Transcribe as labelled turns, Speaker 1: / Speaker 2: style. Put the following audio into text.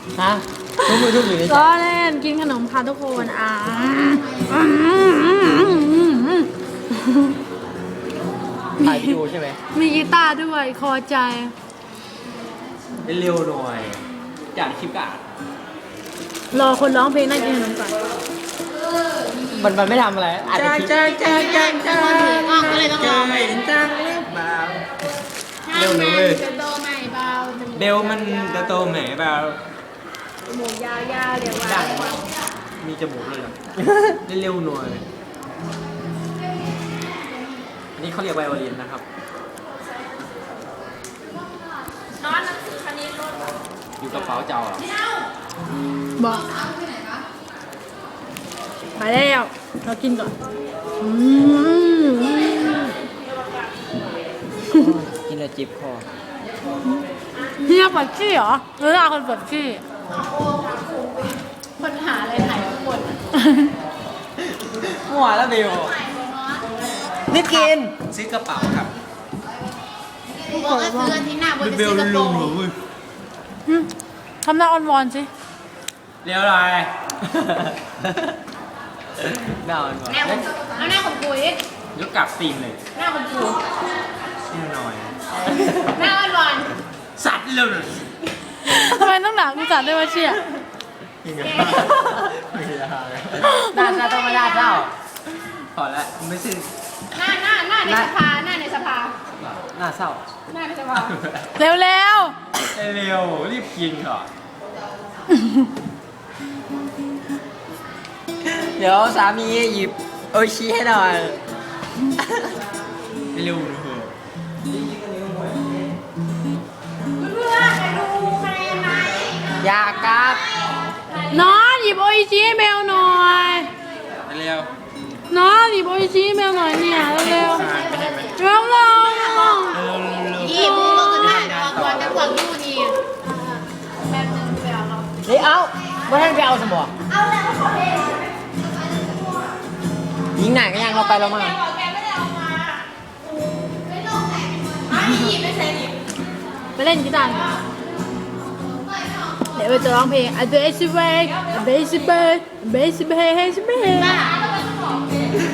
Speaker 1: ฮะทุกมือทุกมือเลย
Speaker 2: ล้อเล่นกินขนมค่ะทุกคน
Speaker 1: ถ่ายวิดีโอใช่ไหม
Speaker 2: มีกีตาร์ด้วยคอใจ
Speaker 1: เร็วหน่อยจากคลิปกะ
Speaker 2: รอคนร้องเพลงนั่งกินขนมก่อน
Speaker 1: มันไม่ทำอะไรอาจจะคลิป
Speaker 3: อ้าวก็เลยต้องร้อง
Speaker 1: จังเบาเร็วหน่อยเลย
Speaker 3: จะโตใหม่เบา
Speaker 1: เบลมันจะโตไหนเบา
Speaker 3: หมูยาวๆเรียกว่า
Speaker 1: ดังมีจมูกเลยเหรอเร็วหน่อยอันนี้เขาเรียกไวโอลินนะครับ
Speaker 3: นอนหนังสือคณิตรถ
Speaker 1: อยู่กระเป๋าเจ้าเหรอ
Speaker 2: บอกไปแล้วเรากินก่อน
Speaker 1: กินแล้วจิบคอ
Speaker 2: เฮียปวดขี้เหรอหรือเราคนปวดขี้
Speaker 3: คนหาอะไรถ่ายทุกคน
Speaker 1: มั่วแล้วเบลนี่กินซื้อกระเป๋าครับ
Speaker 3: กูบอกว่าซื้ออาทิตย์หน้าบนจะ
Speaker 1: เบ
Speaker 3: ซื้
Speaker 1: ล
Speaker 3: อกระโปร
Speaker 1: ลุ
Speaker 3: ง
Speaker 1: งหนูเว้ย
Speaker 2: ทำหน้าอ่อนวอนสิ
Speaker 1: เร็วหน่อยหน้ามันก่อน
Speaker 3: แน่ของเอาหน้าของกูอีก
Speaker 1: ยกกลับตีนเลย
Speaker 3: หน้าของกู
Speaker 1: แน่หน่อย
Speaker 3: หน้าอ่อน
Speaker 1: สัตว์เร็วหน่อย
Speaker 2: ทำไมต้องหนากูจัดด้วยวะเชี่ย
Speaker 1: ยังไงหน้าเจ้าต้องมาหน้าเจ้าพอแล้วไม่ใช่
Speaker 3: ๆหน้าในสภาหน้าในสภา
Speaker 1: หน้าเศร้า
Speaker 3: หน้าในสภา
Speaker 2: เร็ว
Speaker 1: เร็วรีบกินก่อนเดี๋ยวสามีหยิบโอชิให้หน่อยเร็วนะเฮ้ย
Speaker 3: เพื่อนไปดูคะแนนไหม
Speaker 1: อยากกลับ
Speaker 2: ๆน้องหยิบโออิชิให้แมวหน่อย
Speaker 1: เร็ว
Speaker 2: น้องหยิบโออิชิให้แมวหน่อยเนี่ยเร็ว
Speaker 1: ไม่ให้ไหม
Speaker 2: ๆเร็วๆ
Speaker 1: เร็ว
Speaker 3: อีบูก็คือได้ก่อนจะกวางดูดีแป๊บนึงไปเอาเรา
Speaker 1: นี่เอาไม่ให้ไปเอาสมอง
Speaker 3: เอาแล้วก็ขอเพลง
Speaker 1: ยิงหนังก็ยังเราไปแล้วมา
Speaker 3: แกบอกแกไม่ได้เอามาไม่ลงไหนไม่ไม่ใช่ดิ
Speaker 2: ไปเล่นกีตาร์เดี๋ยวไปจะร้องเพลง A Basic Way A Basic Way A Basic Way A Basic Way